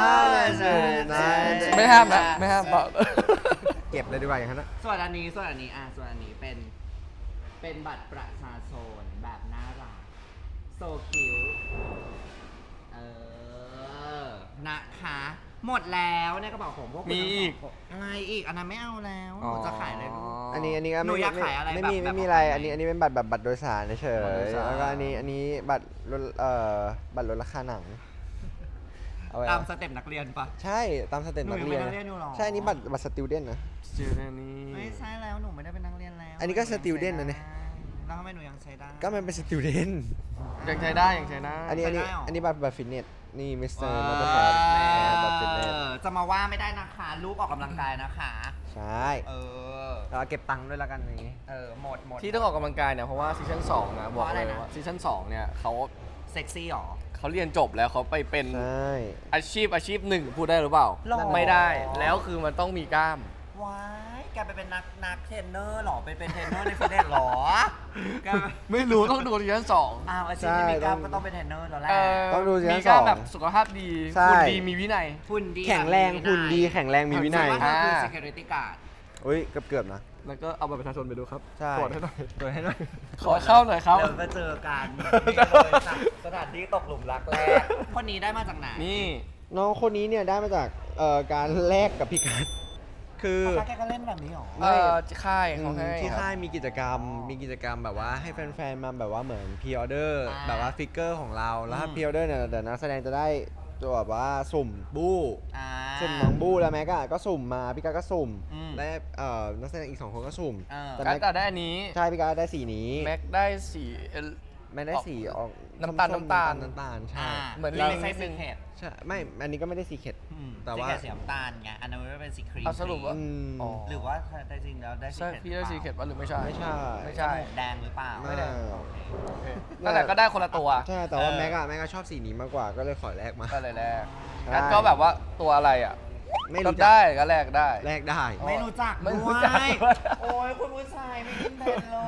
Speaker 4: ไม่ห้ามนะไม่ห้ามเปล่า
Speaker 2: เก็บเลยดีกว่าอย่างนั้นนะ
Speaker 3: ส่วนอันนี้ส่วนอันนี้อ่ะส่วนอันนี้เป็น เป็นบัตรประชาชนแบบน่ารักโซคิวเออนะคะ หมดแล้วในกระเป๋าผมพวกคุณ
Speaker 4: มีอีก
Speaker 3: อะไรอีกอันนั้นไม่เอาแล้วหนูจะขายอะไรลูก
Speaker 2: อันนี้อันนี้ก็
Speaker 3: หนู
Speaker 2: ไม่
Speaker 3: อยากขายอะไร
Speaker 2: ไม่
Speaker 3: แบบ
Speaker 2: มี
Speaker 3: แบบ
Speaker 2: ไม่มีอะไร
Speaker 3: แบบไหน
Speaker 2: อันนี้อันนี้เป็นบัตรแบบบัตรโดยสารเฉ
Speaker 4: บัตรโด
Speaker 2: ย
Speaker 4: ยสาร
Speaker 2: ๆแล้วก็อันนี้อันนี้บัตรลดเอ่อบัตรลดราคาหนังเอาไว้
Speaker 3: ตามสเต็ปนักเรียนปะ
Speaker 2: ใช่ตามสเต็ป
Speaker 3: หนู
Speaker 2: นัก
Speaker 3: ยัง
Speaker 2: เรียน
Speaker 3: เป็นนักเรียนอยู่หรอ
Speaker 2: ใช่อันนี้บัตรบัตรสติวเดนนะ
Speaker 4: สติวเดนนี่
Speaker 3: ไม่ใช่แล้วหนูไม่ได้เป็นนักเรียนแล้ว
Speaker 2: อันนี้ก็
Speaker 3: หยังใช้
Speaker 2: student นะเนี่ย
Speaker 3: ได้แล้วทำไมหนูยังใช้ได้
Speaker 2: ก็มันเป็นสติวเดน
Speaker 4: ยังใช้ได้ยังใช้ได้
Speaker 2: อันนี้อันนี้
Speaker 3: ใช้ได้เหรออั
Speaker 2: อันนี้บัตรบัตรฟิตเนสนี่มิสเตอร์
Speaker 3: ว้าว
Speaker 2: มอเตอร์คอร์ดบัตรฟิตเนส
Speaker 3: จะมาว่าไม่ได้นะคะลูกออกกำลังกายนะคะ
Speaker 2: ใช่
Speaker 3: เออ
Speaker 2: เราเก็บตังค์ด้วยแล้วกันอย่างนี้
Speaker 3: เออหมดหมด
Speaker 4: ที่ต้องออกกำลังกายเนี่ยเพราะว่าซีซั่นสองนะบอก
Speaker 3: เพราะอะไร
Speaker 4: เลย
Speaker 3: นะ
Speaker 4: ว่าซีซั่นสองเนี่ยเขา
Speaker 3: เซ็กซี่หรอ
Speaker 4: เขาเรียนจบแล้วเขาไปเป็น
Speaker 2: ใช่
Speaker 4: อาชีพอาชีพหนึ่งพูดได้หรือเปล่า
Speaker 3: หรอ
Speaker 4: ไม่ได้ แล้วคือมันต้องมีกล้าม
Speaker 3: ว้ายแกไปเป็นนักนักเทรนเนอร์หรอไปเป็นเทรนเนอร์ในฟิตเนสหรอแก
Speaker 4: ไม่รู้ต้องดูซีซั่นสอง
Speaker 3: อ้าวอาชีพที่มีกล้ามก็ต้องเป็นเทรนเนอร์แล้วแหละ
Speaker 2: ต้องดูซีซั่น
Speaker 4: มีกล้าม
Speaker 2: สอง
Speaker 4: แบบสุขภาพดี
Speaker 2: ใช่
Speaker 4: คุณดีมีวินัย
Speaker 3: หุ่นดี
Speaker 2: แข็งแรงหุ่นดีแข็งแรงมีวินัย
Speaker 3: ส่ว่าเธอคือ
Speaker 4: อ่า
Speaker 3: security guard
Speaker 2: อุ้ยเกือบเกือบๆนะ
Speaker 4: แล้วก็เอาบัตรประชาชนไปดูครับ
Speaker 2: ใช่
Speaker 4: ตรวจให้หน่อย
Speaker 2: ตรวจให้หน่อย
Speaker 4: ขอเข้าหน่อยครับ
Speaker 3: เดี๋ยวมาเจอกันนี่เลยค่ะสถานที่ตกหลุมรักแรกคนนี้ได้มาจากไหน
Speaker 4: นี่
Speaker 2: น้องคนนี้เนี่ยได้มาจากเอ่อการแลกกับพี่กัดคือ
Speaker 3: แกก็เล่นแบบนี้หรอ
Speaker 4: เอ่อค่าย
Speaker 2: อื
Speaker 4: เขา
Speaker 2: ม
Speaker 4: ให้
Speaker 2: ที่
Speaker 4: ครับ
Speaker 2: ค่ายมีกิจกรรม มีกิจกรรมแบบว่าให้แฟนๆ มาแบบว่าเหมือนพรีออเดอร์
Speaker 3: อ่า
Speaker 2: แบบว่าฟิกเกอร์ของเรา แล้วถ้า
Speaker 3: อืม
Speaker 2: พรีออเดอร์เนี่ยเดี๋ยวนักแสดงจะได้ตัวแบบว่าสุ่มบู้
Speaker 3: อ่า
Speaker 2: สุ่มน้องบู้แล้วแม็กอะก็สุ่มมาพี่กัดก็สุ่ม
Speaker 3: อืม
Speaker 2: และเอ่อนักแสดงอีกสองคนก็สุ่ม
Speaker 3: เออ
Speaker 2: แต่
Speaker 4: กั
Speaker 2: แม็
Speaker 4: ด
Speaker 2: ก
Speaker 4: แต่ได้อันนี้
Speaker 2: ใช่พี่กัดได้สีนี้
Speaker 4: แม็กได้สีเอ่อ
Speaker 2: แม็กได้สีออก
Speaker 4: น้ำตาล
Speaker 2: ส้มๆ
Speaker 4: น้ำตาล
Speaker 2: น้ำตาลใช่
Speaker 3: อ่า
Speaker 4: เหมือน
Speaker 3: เรา
Speaker 4: ลิง
Speaker 3: ไม่ใช่
Speaker 4: นิดนึ
Speaker 3: สี
Speaker 4: ง
Speaker 3: เขต
Speaker 2: ใช่ไม่อันนี้ก็ไม่ได้สีเข็ด แต่ว่า
Speaker 3: สีเขตสีน้ำตาลไงอันนั้นมันเป็นสีครีม
Speaker 4: เอาสรุปว่า
Speaker 2: อืม
Speaker 4: อ๋อ
Speaker 3: หรือว่าแต่จริงแล้วได้สี
Speaker 4: ใช่
Speaker 3: เขต
Speaker 4: พี่ได้สีเข็ดป่ะหรือไม่ใช่
Speaker 2: ไม่ใช่
Speaker 4: ไม่
Speaker 3: จ
Speaker 4: ใช่
Speaker 3: มูกแดงหรือเปล่า
Speaker 2: ไม่ได้
Speaker 3: โอเค
Speaker 4: นั่นแหละก็ได้คนละตัว
Speaker 2: ใช่แต่ว่า
Speaker 3: เออ
Speaker 2: แม็กอะแม็กก็ชอบสีนี้มากกว่าก็เลยขอแลกมา
Speaker 4: ก็เลยแลก
Speaker 2: ใช่
Speaker 4: งั้นก็แบบว่าตัวอะไรอ่ะ
Speaker 2: ไม่
Speaker 4: ก็
Speaker 2: รู้จัก
Speaker 4: ได้ก็แลกได้
Speaker 2: แลกได้
Speaker 3: ไม่รู้จัก
Speaker 4: ไม่รู้
Speaker 3: ด้วย
Speaker 4: จักด้วย
Speaker 3: โอ้ยคุณผู้ชายไม่กินเป็นเลย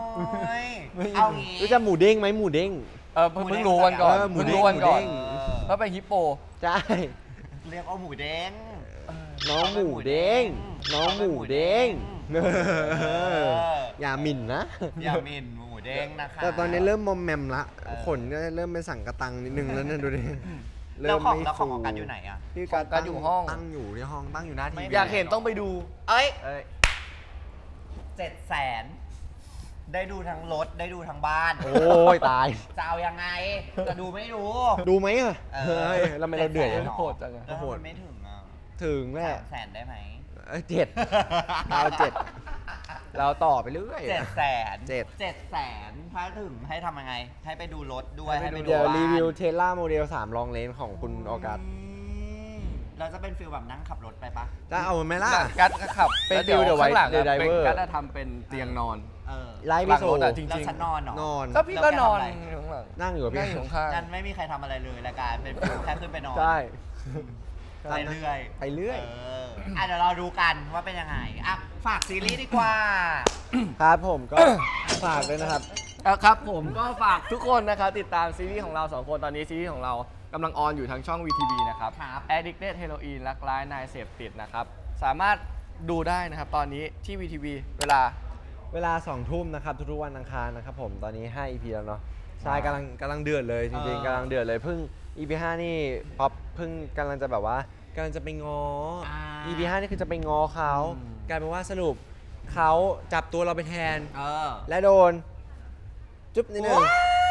Speaker 2: ไม่
Speaker 3: เอางี้
Speaker 2: รู้จักหมูเด้งไหมหมูเด้ง
Speaker 4: เออเพิ่งเพิ่งรู้วันก่อน
Speaker 2: เออหมู
Speaker 4: เพิ่ง
Speaker 2: เด้ง
Speaker 4: รู้วันก่อน
Speaker 2: หมูเด้ง
Speaker 3: เออ
Speaker 4: เพราะเป็นฮิปโป
Speaker 2: ใช่
Speaker 3: เรียกเอาหมูเด้ง
Speaker 2: น้องหมูเด้ง น้องหมูเด้งเอออย่าหมิ่นนะ
Speaker 3: อย่าหมินหมูเด้งนะคะ
Speaker 2: แต่ตอนนี้เริ่มมอมแมมละ
Speaker 3: เออ
Speaker 2: ขนก็เริ่มเป็นสังกะตังนิดนึงแล้วเนี่ยดูดิ
Speaker 3: แล้วของ
Speaker 2: ไม่
Speaker 3: แล้วของ
Speaker 2: ฟู
Speaker 3: ของกันอยู่ไหนอ่ะ
Speaker 2: พี่การ
Speaker 4: ของกันอยู่ห้อง
Speaker 2: ตั้งอยู่ที่ห้องตั้งอยู่หน้าที
Speaker 3: ไม่
Speaker 2: วี
Speaker 4: อยากเห็นต้องไปดู
Speaker 3: เอ้ย
Speaker 2: เอ้ย
Speaker 3: เจ็ดแสนได้ดูทั้งรถได้ดูทั้งบ้าน
Speaker 2: โอ้ยตาย
Speaker 3: จะเอายังไง จะดูไม่ดู
Speaker 2: ดูไหมอะ
Speaker 3: เออ
Speaker 2: เฮ้ยแล้วทำไมเราเดือด
Speaker 3: จ็
Speaker 2: อะ
Speaker 3: แสนหร
Speaker 4: โหดจังอะ
Speaker 3: แล้วทำไมไม่ถึงอ่ะ
Speaker 2: ถึงแหละ
Speaker 3: สามแสนได้ไหม
Speaker 2: เเอ้ยเจ็ดเราเจ็ดเราต่อไปเรื่อย
Speaker 3: เจ็ดแสน
Speaker 2: เจ็ด
Speaker 3: เจ็ดแสนถ้าถึงให้ทำยังไง ให้ไปดูรถด้วยให้ไปดู
Speaker 2: เดี๋ยว
Speaker 3: บ้าน
Speaker 2: รีวิวเทสลาโมเดลสามลองเลนของคุณออกัส
Speaker 3: มเราจะเป็นฟิลแบบนั่งขับรถไปปะ
Speaker 2: จะเอาไหมล่ะ
Speaker 4: กัดก็ขับ
Speaker 2: เป็น
Speaker 4: แล้วดี๋ยว
Speaker 2: ฟิล The White
Speaker 4: ข้างหลังอะ
Speaker 2: The Driver
Speaker 4: เป็นกัดจะทำเป็นเตียงนอน
Speaker 3: เออ
Speaker 2: ไลฟ์
Speaker 4: หลั
Speaker 2: พิ
Speaker 4: ง
Speaker 2: โซ
Speaker 4: รถอะจริง
Speaker 3: แล้วฉันนอนเหรอ
Speaker 2: นอน
Speaker 4: ก็พี่ก็นอน
Speaker 3: แล้วแกทำอะไร
Speaker 4: อยู่ข้างหลัง
Speaker 2: นั่งอยู่กับ
Speaker 4: นั่
Speaker 2: พี่
Speaker 4: งอยู่ข้าง
Speaker 3: งั้นไม่มีใครทำอะไรเลยรายการเป็นฟิลแค่ขึ้นไปนอน
Speaker 2: ใช่
Speaker 3: ไปเรื่อย
Speaker 2: ไปเรื่อย
Speaker 3: เอออ่ะเดี๋ยวเราดูกันว่าเป็นยังไงอ่ะฝากซีรีส์ดีกว่า
Speaker 2: ครับผมก็ ฝากด้วยนะครับ
Speaker 4: เอาครับผมก็ฝากทุกคนนะครับติดตามซีรีส์ของเราสองคนตอนนี้ซีรีส์ของเรากำลังออนอยู่ทางช่อง วี ที วี นะครับ
Speaker 3: ครับ
Speaker 4: Addicted Heroin รักร้ายนายเสพติดนะครับ สามารถดูได้นะครับตอนนี้ที่ วี ที วี เวลา
Speaker 2: เวลาสองทุ่มนะครับทุกๆวันอังคารนะครับผมตอนนี้ห้า อี พี แล้วเนาะใช่กำลังกำลังเดือดเลยจริง
Speaker 3: เออ
Speaker 2: ๆกำลังเดือดเลยเพิ่ง อี พี ห้านี่ป๊อปเพิ่งกำลังจะแบบว่ากำลังจะไปง้ออา อี พี ห้านี่คือจะไปง้อเขา
Speaker 3: อืม
Speaker 2: กลายเป็นว่าสรุปเขาจับตัวเราไปแทน
Speaker 3: เออ
Speaker 2: และโดน จุ๊บนิดนึง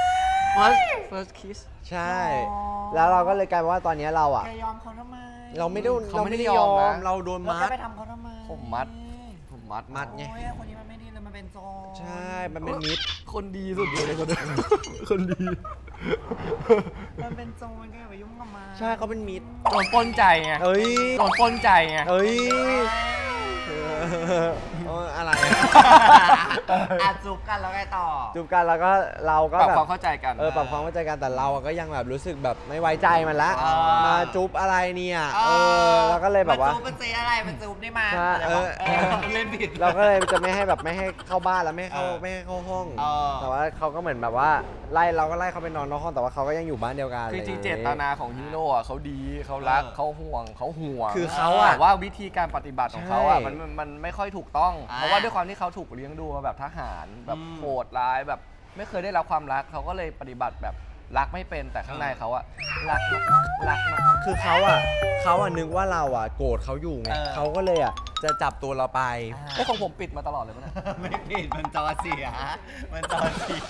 Speaker 4: first first kiss
Speaker 2: ใช่
Speaker 3: อ๋อ
Speaker 2: แล้วเราก็เลยกลายเป็นว่าตอนนี้เราอ่ะ
Speaker 3: แกยอมเขาทำไม
Speaker 2: เราไม่ได้
Speaker 4: เขา
Speaker 2: เรา
Speaker 4: ไม่
Speaker 2: ไม่
Speaker 4: ได้
Speaker 2: ได้
Speaker 4: ย
Speaker 2: ย
Speaker 4: อ
Speaker 2: อ
Speaker 4: ม
Speaker 2: ม
Speaker 4: นะ
Speaker 2: เราโดน
Speaker 3: แล้ว
Speaker 2: มั
Speaker 3: แก
Speaker 2: ด
Speaker 3: ไปทำเขาทำไม
Speaker 4: ผมมัด ผมมัด
Speaker 2: มัดไง
Speaker 3: โอ้ยคนนี้มันไม่ดีเลยมันเป็นโจร
Speaker 2: ใช่ มันเป็นมิตร
Speaker 4: คนดีสุดเลยคนนี้คนดี
Speaker 3: มันเป็นโจรแกอย่าไปยุ่งกับมัน
Speaker 2: ใช่เขาเป็นมิตร
Speaker 4: โดนปล้นใจไง
Speaker 2: เอ้ย
Speaker 4: โดนปล้นใจไง
Speaker 2: เอ้ยเออเอออะไรอะ
Speaker 3: อ่ะจูบกันแล้วไงต่อ
Speaker 2: จูบกันแล้วก็เราก็
Speaker 4: ปรับ
Speaker 2: แบบ
Speaker 4: ความเข้าใจกัน
Speaker 2: เออปรับความเข้าใจกันแต่เราอะก็ยังแบบรู้สึกแบบไม่ไว้ใจมันละ
Speaker 3: เออ
Speaker 2: มาจุ๊บอะไรเนี่ย เออเราก็เลยแบบว่า
Speaker 3: นจูบมันเซอะไรมันจูบได้มา
Speaker 2: ใช่
Speaker 3: อะไรวะ
Speaker 2: เออ
Speaker 3: เออเล่นผิด
Speaker 2: เราก็เลยจะไม่ให้แบบไม่ให้เข้าบ้านแล้วไม่ให้เข้า
Speaker 3: เออ
Speaker 2: ไม่ให้เข้าห้อง
Speaker 3: เออ
Speaker 2: แต่ว่าเขาก็เหมือนแบบว่าไล่เราก็ไล่เขาไปนอนนอกห้องแต่ว่าเขาก็ยังอยู่บ้านเดียวกัน
Speaker 4: คือจริง
Speaker 2: ะ
Speaker 4: เจ
Speaker 2: ไอย่
Speaker 4: ต
Speaker 2: งงี้
Speaker 4: นาของฮีโร่อะเขาดีเขารัก
Speaker 3: เออ
Speaker 4: เขาห่วงเขาห่วง
Speaker 2: คือเขาอะ
Speaker 4: แต่ว่าวิธีการปฏิบัติของเขาอะ
Speaker 2: ใช่
Speaker 4: มันมันมันไม่ค่อยถูกต้อง
Speaker 3: อ่า
Speaker 4: เพราะว่าด้วยความที่เขาถูกเลี้ยงดูมาแบบทหารแบบ
Speaker 3: อืม
Speaker 4: โหดร้ายแบบไม่เคยได้รับความรักเขาก็เลยปฏิบัติแบบรักไม่เป็นแต่ข้างในเขาอะรักมากๆรักมากๆ
Speaker 2: คือเขาอ่ะเขาอ่ะนึกว่าเราอ่ะโกรธเขาอยู่ไง
Speaker 3: เออ
Speaker 2: เขาก็เลยอ่ะจะจับตัวเราไป
Speaker 4: ไอ้ของผมปิดมาตลอดเลยปะเนี่ย
Speaker 3: ไม่ผิดมันจอเสีย มันจอเสีย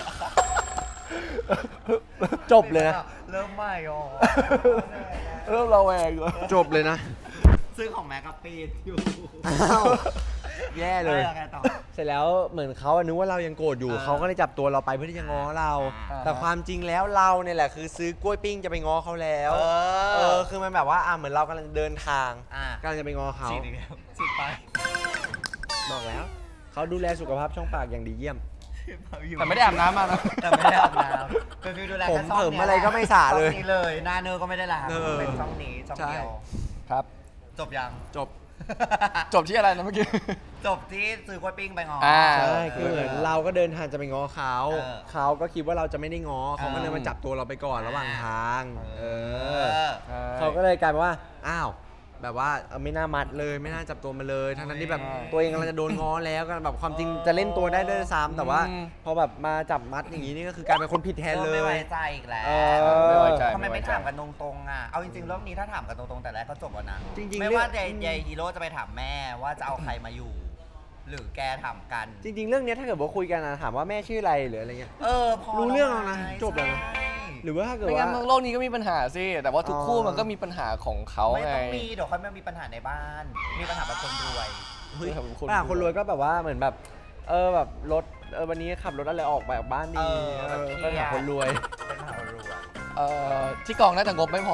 Speaker 2: จบเลยนะ
Speaker 3: เริ่มใหม่อ๋อ
Speaker 4: เริ่มระแวงเลย
Speaker 2: จบเลยนะ
Speaker 3: ซึ่งของแม็กกับปีดอยู่
Speaker 2: อ้าวแย่เลย
Speaker 3: แล้วไงต่อ
Speaker 2: เสร็จแล้วเหมือนเขาอะนึกว่าเรายังโกรธอยู่
Speaker 3: เออ
Speaker 2: เขาก็เลยจับตัวเราไปเพื่อที่จะง้อเรา
Speaker 3: อ่า
Speaker 2: แต่ความจริงแล้วเราเนี่ยแหละคือซื้อกล้วยปิ้งจะไปง้อเขาแล้ว
Speaker 3: เออ
Speaker 2: เออคือมันแบบว่าอ่ะเหมือนเรากำลังเดินทาง
Speaker 3: อ่ะ
Speaker 2: กำลังจะไปง้อเขา
Speaker 3: ฉีดอีกแล้วฉีดไป
Speaker 2: บอกแล้วเขาดูแลสุขภาพช่องปากอย่างดีเยี่ยม
Speaker 4: แต่ไม่ได้อาบน้ำมานะ
Speaker 3: แต่ไม่ได้อาบน้ำเป็นฟิวดูแล
Speaker 2: ผม
Speaker 3: แค่ช่อง
Speaker 2: เผิม
Speaker 3: นี้ย
Speaker 2: อะไรก็ไม่สระเลย
Speaker 3: ช่องนี้เลยหน้าเนอร์ก็ไม่ได้ล้าง
Speaker 2: เออ
Speaker 3: เป็นช่องนี้ช่องเดียว
Speaker 4: ครับ
Speaker 3: จบยัง
Speaker 2: จบ
Speaker 4: จบที่อะไรนะเมื่อกี้
Speaker 3: จบที่ซื้อกล้วยปิ้งไปงอ
Speaker 4: อ่า
Speaker 2: ใช่คือเหมือนเราก็เดินทางจะไปง้อเขา
Speaker 3: เออ
Speaker 2: เขาก็คิดว่าเราจะไม่ได้ง้อเขาก็เลย
Speaker 4: เออ
Speaker 2: มาจับตัวเราไปก่อนระหว่างทาง เอ
Speaker 3: เอ
Speaker 2: อ
Speaker 3: อ
Speaker 2: เขาก็เลยกลายเป็นว่า อ้าว แบบว่าเออไม่น่ามัดเลย ไม่น่าจับตัวมาเลย ทั้งนั้นที่แบบ
Speaker 4: ใช่
Speaker 2: ตัวเองกำลังจะโดนง้อแล้วก็แบบความจริงจะเล่นตัวได้ด้วยซ้ำแต่ว่า
Speaker 4: อืม
Speaker 2: พอแบบมาจับมัดอย่างนี้นี่ก็คือกลายเป็นคนผิดแทนเล
Speaker 3: ไม่ไว้
Speaker 2: ย
Speaker 3: ใจอีกแล้ว
Speaker 2: เออ
Speaker 4: ไม่ไว้ใจ
Speaker 3: ทำไม
Speaker 4: ไม่ไว้
Speaker 3: ไม่
Speaker 4: ใจ
Speaker 3: ถามกันตรงๆอ่ะ เอาจริงๆเรื่องนี้ถ้าถามกันตรงๆแต่แรกก็จบแล้วนะ
Speaker 2: จริงๆ
Speaker 3: ไม่
Speaker 2: เรื่อง
Speaker 3: ว่าเดย์เดย์ฮีโร่จะไปถามแม่ว่าจะเอาใครมาอยู่ หรือแกถามกัน
Speaker 2: จริง ๆ เรื่องเนี้ยถ้าเกิดว่าคุยกันนะถามว่าแม่ชื่ออะไรหรืออะไรเงี้ย
Speaker 3: เออพอ
Speaker 2: รู้เรื่องแล้วนะ
Speaker 3: ไง
Speaker 2: จบแล้วนะ
Speaker 3: ใช่
Speaker 2: หรือว่าถ้าเกิด
Speaker 4: ไม่
Speaker 2: ว่า
Speaker 4: งั้นโลกนี้ก็มีปัญหาสิ แต่ว่าทุกคู่
Speaker 2: อ๋อ
Speaker 4: มันก็มีปัญหาของเขา
Speaker 3: ไม่
Speaker 4: ไง
Speaker 3: ต้องมีเดี๋ยวค่อยมามีปัญหาในบ้าน มีปัญหาแบบคนรวย
Speaker 2: เฮ้ย
Speaker 4: ครับคน
Speaker 2: ป้าคนรวยก็แบบว่าเหมือนแบบ เออแบบรถเออวันนี้ขับรถอะไรออกไปออกบ้านดี
Speaker 3: เออ
Speaker 2: เอ
Speaker 3: แบบ
Speaker 2: อ
Speaker 3: เครียด
Speaker 2: ก็หาคนรวย
Speaker 3: เป็นปัญหาคนรวย
Speaker 4: เอ่อที่กองน่าจะงบไม่พอ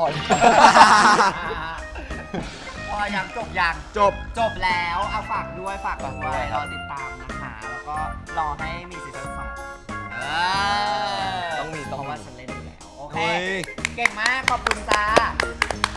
Speaker 3: พอยังจบยัง
Speaker 2: จบ
Speaker 3: จบแล้วเอาฝากด้วยฝาก
Speaker 4: ฝากด้
Speaker 3: ด้ว
Speaker 4: วย ย
Speaker 3: รอติดตามนะคะ แล้วก็รอให้มีซีซั่นสองเออ
Speaker 4: ต้องมีต้องมี
Speaker 3: เพราะว่าฉันเล่นอยู่แล้ว โอเค
Speaker 2: เฮ้ย
Speaker 3: เก่งมาก ขอบคุณจ้า